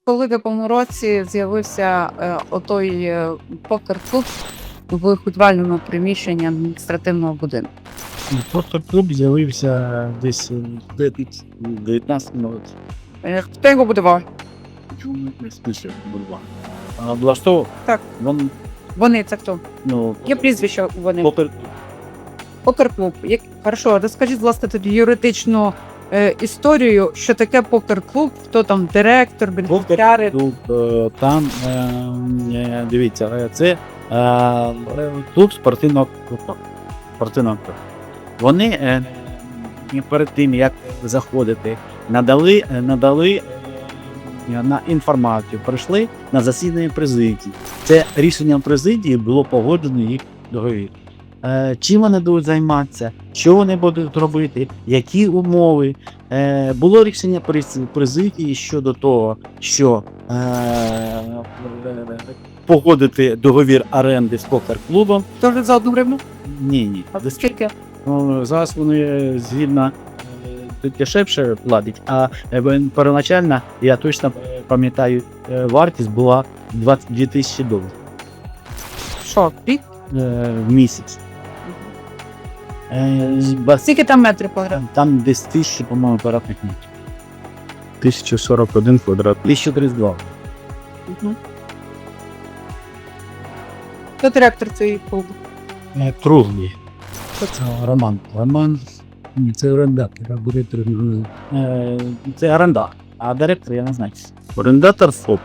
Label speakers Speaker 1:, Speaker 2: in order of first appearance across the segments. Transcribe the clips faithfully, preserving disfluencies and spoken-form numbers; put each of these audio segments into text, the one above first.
Speaker 1: коли в якому році з'явився е, отой е, покер-клуб в підвальному приміщенні адміністративного будинку?
Speaker 2: Просто клуб з'явився десь в дев'ятнадцятому році.
Speaker 1: Е, Хто його будував?
Speaker 2: Чому не спише бульвар? А влаштовував?
Speaker 1: Так.
Speaker 2: Вон,
Speaker 1: Вони, це хто?
Speaker 2: ну,
Speaker 1: Є прізвище у вони.
Speaker 2: попер...
Speaker 1: Покер-клуб. Як... Хорошо, розкажіть, власне, тоді юридичну е, історію, що таке покер-клуб, хто там директор, бенефіціари.
Speaker 2: Клуб, е, там, е, е, дивіться, е, це е, клуб спортивного клубу. Спортивного клубу. Вони е, е, перед тим, як заходити, надали, е, надали е, на інформацію, прийшли на засідання президії. Це рішенням президії було погоджено їх договір. Е, чим вони будуть займатися, що вони будуть робити, які умови. Е, було рішення през- президії щодо того, що е, погодити договір оренди з покер-клубом.
Speaker 1: Тоже за одну гривну?
Speaker 2: Ні, ні.
Speaker 1: А скільки?
Speaker 2: Ну, зараз вони згідно е, дешевше платять, а е, первоначально, я точно пам'ятаю, е, вартість була двадцять дві тисячі доларів
Speaker 1: Що, рік?
Speaker 2: е, в місяць. Е, з бас-
Speaker 1: Скільки там метрів квадратних?
Speaker 2: Там десь тисячі, по-моєму, квадратних метрів.
Speaker 3: тисяча сорок один квадратний.
Speaker 2: тисяча тридцять два.
Speaker 1: Угу. Хто директор цієї клубу?
Speaker 2: Е, Круглий. Це Роман. Роман.
Speaker 3: Ні, це орендатор, а буде торгівлею.
Speaker 2: Е, це орендар. А директор я не знаю.
Speaker 3: Орендатор ФОП.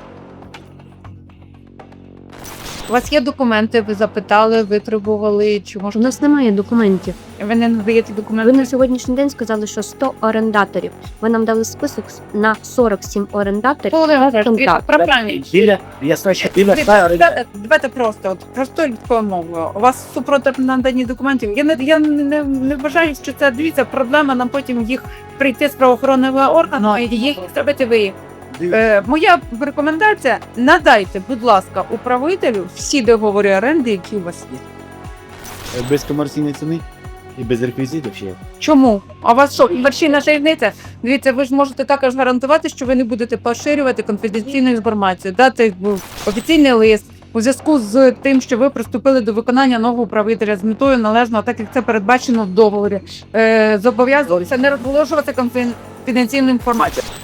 Speaker 1: У вас є документи, ви запитали, витребували, чи
Speaker 4: У
Speaker 1: може
Speaker 4: нас немає документів.
Speaker 1: ви не надаєте
Speaker 4: Ви
Speaker 1: документи?
Speaker 4: на сьогоднішній день сказали, що сто орендаторів. Ви нам дали список на сорок сім орендаторів. Так.
Speaker 1: Правильно.
Speaker 2: Біля, я знаю, біля ста орендарів.
Speaker 1: Давайте давайте просто, от простою людською мовою. У вас супротив надані документів. Я не я не, не вважаю, що це дивіться проблема. Нам потім їх прийти з правоохоронного органу і їх зробити ви. Е, моя рекомендація: надайте, будь ласка, управителю всі договори оренди, які у вас є.
Speaker 2: Без комерційної ціни і без реквізитів ще.
Speaker 1: Чому? А у вас що, комерційна таємниця? Дивіться, ви ж можете також гарантувати, що ви не будете поширювати конфіденційну інформацію, дати ну, офіційний лист у зв'язку з тим, що ви приступили до виконання нового управителя з метою належного, так як це передбачено в договорі. Е, зобов'язуватися не розголошувати конфіденційну інформацію.